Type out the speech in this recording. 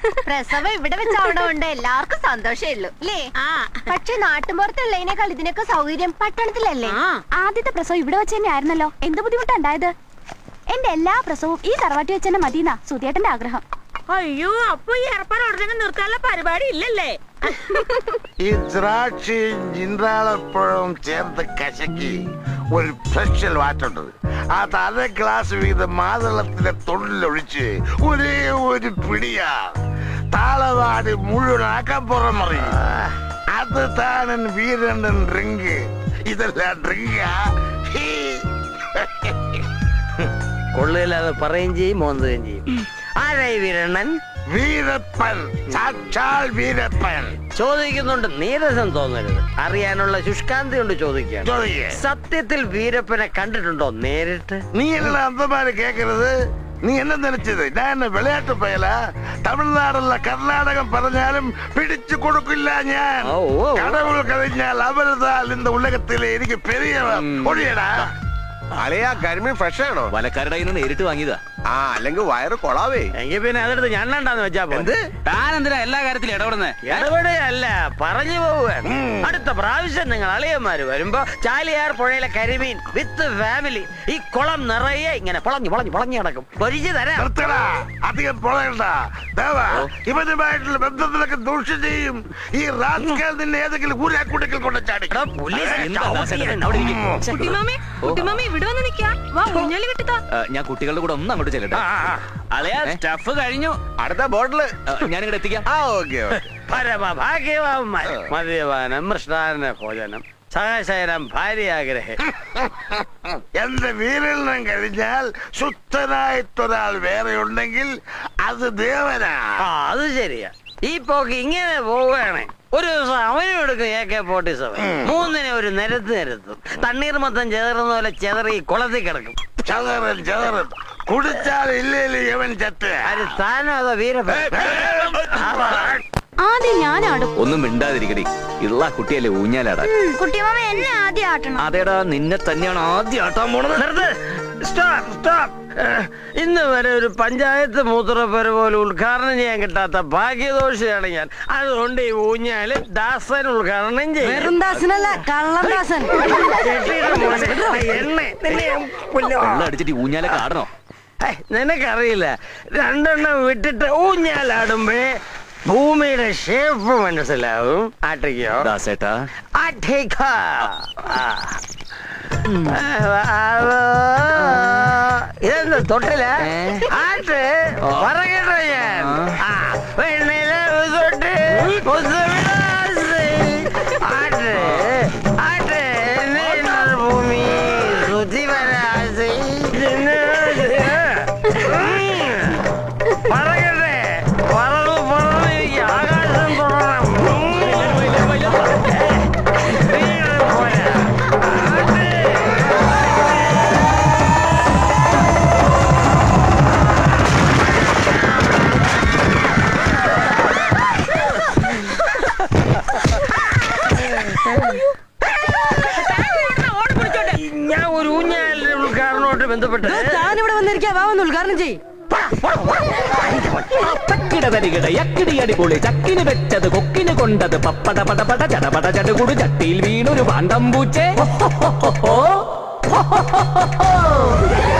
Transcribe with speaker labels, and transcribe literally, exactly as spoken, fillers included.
Speaker 1: പ്രസവം ഇവിടെ വെച്ച് അവിടെ ഉണ്ട് എല്ലാവർക്കും സന്തോഷമേ ഉള്ളൂ അല്ലേ? പക്ഷെ നാട്ടുമ്പുറത്തുള്ളതിനേക്കാൾ ഇതിനൊക്കെ സൗകര്യം പട്ടണത്തിലല്ലേ?
Speaker 2: ആദ്യത്തെ പ്രസവം ഇവിടെ വെച്ച് തന്നെ ആയിരുന്നല്ലോ. എന്ത് ബുദ്ധിമുട്ടുണ്ടായത്? എന്റെ എല്ലാ പ്രസവവും ഈ തറവാട്ടി വെച്ച് തന്നെ മതിയെന്നാ സുധിയേട്ടന്റെ ആഗ്രഹം.
Speaker 3: അയ്യോ, അപ്പൊ ഈ ഏർപ്പാട് ഉടനെ നിർത്താനുള്ള പരിപാടി ഇല്ലല്ലേ?
Speaker 4: ഈ ദ്രാക്ഷയും ജിന്ദ്രാളപ്പഴവും ചേർത്ത് കശക്കി ഒരു സ്പെഷ്യൽ വാറ്റുണ്ട്. അത് അര ഗ്ലാസ് വീതം മാതളത്തിന്റെ തൊഴിലൊഴിച്ച് ഒരേ ഒരു പിടിയാ താളവാടി മുഴുവൻ അകപ്പുറം മറിയും. അത് താനൻ വീരണ്ടൻ ഡ്രിങ്ക്. ഇതെല്ലാം ഡ്രിങ്കാ.
Speaker 5: കൊള്ളില്ലാതെ പറയുകയും ചെയ്യും മോന്തുകയും ചെയ്യും. ആരായി വീരണ്ണൻ?
Speaker 4: വീരപ്പൻ, സാക്ഷാൽ വീരപ്പൻ.
Speaker 5: ചോദിക്കുന്നുണ്ട്, നീരസം തോന്നരുത്. അറിയാനുള്ള ശുഷ്കാന്തി കൊണ്ട് ചോദിക്കുകയാണ്.
Speaker 4: ചോദിക്കേ.
Speaker 5: സത്യത്തിൽ വീരപ്പനെ കണ്ടിട്ടുണ്ടോ നേരിട്ട്?
Speaker 4: നീ എന്നെ അന്തമാര് കേക്കരുത്. നീ എന്നെ നനച്ചത് ഞാൻ വിളയാട്ട് പോയല. തമിഴ്നാടുള്ള കർണാടകം പറഞ്ഞാലും പിടിച്ചു കൊടുക്കില്ല ഞാൻ. കടവുൾ കഴിഞ്ഞാൽ അവരുതാൽ இந்த ഉലകത്തിലെ എനിക്ക് പെരിയവൻ. ഒഴിയടാ.
Speaker 6: അലയാ കരിമീൻ ഫ്രഷ് ആണോ?
Speaker 7: വലക്കാരുടെ കയ്യിൽ നിന്ന് നേരിട്ട് വാങ്ങിയതാ.
Speaker 6: ആ, അല്ലെങ്കിൽ വയറ് കൊളാവേ.
Speaker 5: എങ്കിൽ പിന്നെ അതെടുത്ത് ഞണ്ണണ്ടാന്ന് വെച്ചാ പോലെ.
Speaker 7: താൻ എന്തിനാ എല്ലാ കാര്യത്തിലും ഇടപെടുന്നേ?
Speaker 5: ഇടപെടുകയല്ല, പറഞ്ഞു പോവുകയാണ്. അടുത്ത പ്രാവശ്യം നിങ്ങൾ അളിയന്മാര് വരുമ്പോ ചാലിയാർ പുഴയിലെ കരിമീൻ വിത്ത് ഫാമിലി ഈ കുളം നിറയെ ഇങ്ങനെ പൊളഞ്ഞു പൊളഞ്ഞു പൊളഞ്ഞു കിടക്കും. പൊരിച്ചു തരാം.
Speaker 4: അധികം പൊളയണ്ട. ഇവരുമായിട്ടുള്ള ബന്ധത്തിലൊക്കെ ദൂഷ്യം ചെയ്യും. ഈ റാസ്കൽ നിന്നെ ഏതെങ്കിലും ഊരാക്കൂട്ടത്തിൽ കൊണ്ട് ചാടി.
Speaker 7: ഞാൻ കുട്ടികളുടെ കൂടെ ഒന്ന് അങ്ങോട്ട് ചെല്ലട്ടെ. സ്റ്റഫ് കഴിഞ്ഞു.
Speaker 6: അടുത്ത ബോട്ടില്
Speaker 7: ഞാനിവിടെ എത്തിക്കാം.
Speaker 6: ആ, ഓക്കെ.
Speaker 5: പരമഭാഗ്യവാന്മാർ. മദ്യപാനം, മൃഷ്ടാന്ന ഭോജനം, സഹശയനം, ഭാര്യാഗ്രഹം.
Speaker 4: എന്റെ വീരലിനം കഴിഞ്ഞാൽ ശുദ്ധനായിട്ടൊരാൾ വേറെ ഉണ്ടെങ്കിൽ അത് ദേവനാ.
Speaker 5: ആ, അത് ശരിയാ. ഈ പോക്ക് ഇങ്ങനെ പോവുകയാണ്. ഒരു ദിവസം അവനും എടുക്കും എ കെ ഫോർട്ടി സെവൻ. മൂന്നിനെ ഒരു നിരത്ത് നിരത്തും. തണ്ണീർ മൊത്തം ചെതറുന്ന പോലെ ചെതറി കുളത്തിൽ കിടക്കും.
Speaker 4: ചതറൻ ചതറൻ കുടിച്ചാൽ ഇല്ലേലും ഇവൻ ചത്ത്.
Speaker 5: അത് താനോ അതോ വീരപ്പൻ?
Speaker 2: ആദ്യം ഞാനാടും.
Speaker 7: ഒന്നും മിണ്ടാതിരിക്കടി. ഇള്ള കുട്ടിയല്ലേ ഊഞ്ഞാലാടാൻ.
Speaker 2: കുട്ടിമാമ എന്നെ ആദ്യം ആട്ടണം.
Speaker 7: അതേടാ, നിന്നെ തന്നെയാണ് ആദ്യം ആട്ടാൻ പോണത്.
Speaker 5: Stop stop. ഇന്ന് വരെ ഒരു പഞ്ചായത്ത് മൂത്രപ്പുര പോലെ ഉദ്ഘാടനം ചെയ്യാൻ കിട്ടാത്ത ഭാഗ്യദോഷിയാണ് ഞാൻ. അതുകൊണ്ട് ഈ ഊഞ്ഞാല് ദാസൻ ഉദ്ഘാടനം ചെയ്യും.
Speaker 7: അടിച്ചിട്ട് ഊഞ്ഞാലൊക്കെ ആടണോ?
Speaker 5: നിനക്കറിയില്ല, രണ്ടെണ്ണം വിട്ടിട്ട് ഊഞ്ഞാലാടുമ്പേ ഭൂമിയുടെ ഷേപ്പ് മനസ്സിലാവും. ആട്ടിക്കോ
Speaker 7: ദാസേട്ടാ.
Speaker 5: ആട്ടിക്കോ. ഇതെന്താ തൊട്ടില്ല? ആട്ട് പറയട്ടോ ഞാൻ. പെണ്ണില തൊട്ട് ആട്ട് ആട്ട് ഭൂമി സുധി വരാസി പറയട്ടെ. പറന്നു പറന്ന് എനിക്ക് ആകാശം തുടരണം. ഞാൻ ഒരു ഊഞ്ഞാലിന്റെ ഉദ്ഘാടനോട്ട് ബന്ധപ്പെട്ട്
Speaker 3: ഞാനിവിടെ വന്നിരിക്കാ. ഉദ്ഘാടനം ചെയ്യും.
Speaker 7: അടിപൊളി ചക്കിന് വെച്ചത് കൊക്കിന് കൊണ്ടത് പപ്പട പടപട ചടപട ചടുകുടു ചട്ടിയിൽ വീണൊരു പാണ്ടം പൂച്ചേ.